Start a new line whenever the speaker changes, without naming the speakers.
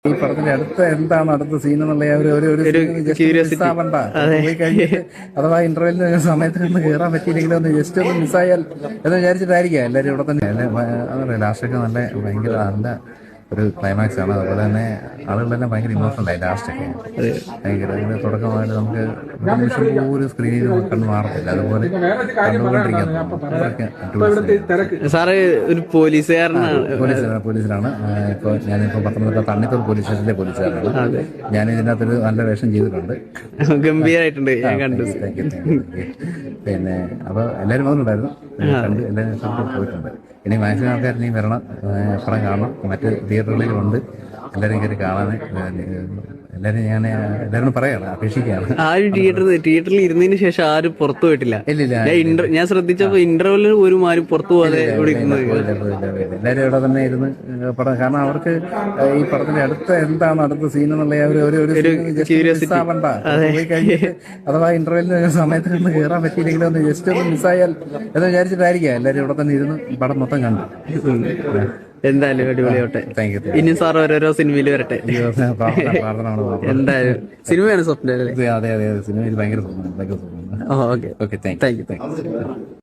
ഈ പടത്തിന്റെ എന്താണ് അടുത്ത സീൻ എന്നുള്ള ആവണ്ട പോയി കഴിഞ്ഞിട്ട് അഥവാ ഇന്റർവെല്ലിന് സമയത്ത് നിന്ന് കയറാൻ പറ്റിയില്ലെങ്കിലും ഒന്ന് ജസ്റ്റ് ഒന്ന് മിസ്സായാൽ എന്ന് വിചാരിച്ചിട്ടായിരിക്കാം എല്ലാവരും ഇവിടെ തന്നെ അതറിയാം. ലാസ്റ്റൊക്കെ ഭയങ്കര നല്ല ഒരു ക്ലൈമാക്സ് ആണ്. അതുപോലെ തന്നെ ആളുകളെല്ലാം ഭയങ്കര ഇമോഷണൽ ആയി ലാസ്റ്റൊക്കെ. ഭയങ്കര അതിന്റെ തുടക്കമായിട്ട് നമുക്ക് ഒരു നിമിഷം പോലും സ്ക്രീനിൽ കണ്ടു മാറത്തില്ല. അതുപോലെ കണ്ടുകൊണ്ടിരിക്കാൻ
സാറ് ഒരു പോലീസുകാരനാണ്.
പോലീസിലാണ്. ഇപ്പൊ ഞാനിപ്പോ പത്തനംതിട്ട തണ്ണിത്തോട് പോലീസ് സ്റ്റേഷനിലെ പോലീസുകാരനാണ്. ഞാൻ ഇതിനകത്തൊരു നല്ല വേഷം ചെയ്തിട്ടുണ്ട്.
ഗംഭീരായിട്ടുണ്ട്, ഞാൻ കണ്ടു.
പിന്നെ അപ്പൊ എല്ലാവരും വന്നിട്ടുണ്ടായിരുന്നു, കണ്ട് എല്ലാവരും പോയിട്ടുണ്ട്. ഇനി മാക്സിമം ആൾക്കാർ ഇനി വരണം, പടം കാണണം. മറ്റ് തിയേറ്ററുകളിലുണ്ട്, എല്ലാവരും കയറി കാണാൻ എല്ലാവരും എല്ലാവരും പറയാണ്, അപേക്ഷിക്കുകയാണ്.
ആരും തിയേറ്ററിൽ ഇരുന്നതിന് ശേഷം ആരും പുറത്തു പോയിട്ടില്ല. ഞാൻ ശ്രദ്ധിച്ചപ്പോ ഇന്റർവെല്ലിൽ ഒരു ആരും പുറത്തു പോകാതെ
എല്ലാവരും ഇവിടെ തന്നെ ഇരുന്ന് പടം. കാരണം അവർക്ക് ഈ പടത്തിന്റെ അടുത്ത സീൻ എന്നുള്ള ആവണ്ട പോയി കഴിഞ്ഞിട്ട് അഥവാ ഇന്റർവെല്ലിന് സമയത്ത് നിന്ന് കയറാൻ പറ്റിയില്ലെങ്കിലും ഒന്ന് ജസ്റ്റ് ഒന്ന് മിസ്സായാൽ എന്ന് വിചാരിച്ചിട്ടായിരിക്കാം എല്ലാവരും ഇവിടെ തന്നെ ഇരുന്ന് പടം മൊത്തം കണ്ടു.
എന്തായാലും അടിപൊളിയോട്ടെ. ഇനി സാർ ഓരോരോ സിനിമയിൽ വരട്ടെ. എന്തായാലും സിനിമയാണ് സ്വപ്നം അല്ലേ?
അതെ അതെ, സിനിമയിൽ ഭയങ്കര സ്വപ്നം.
Okay, thank U.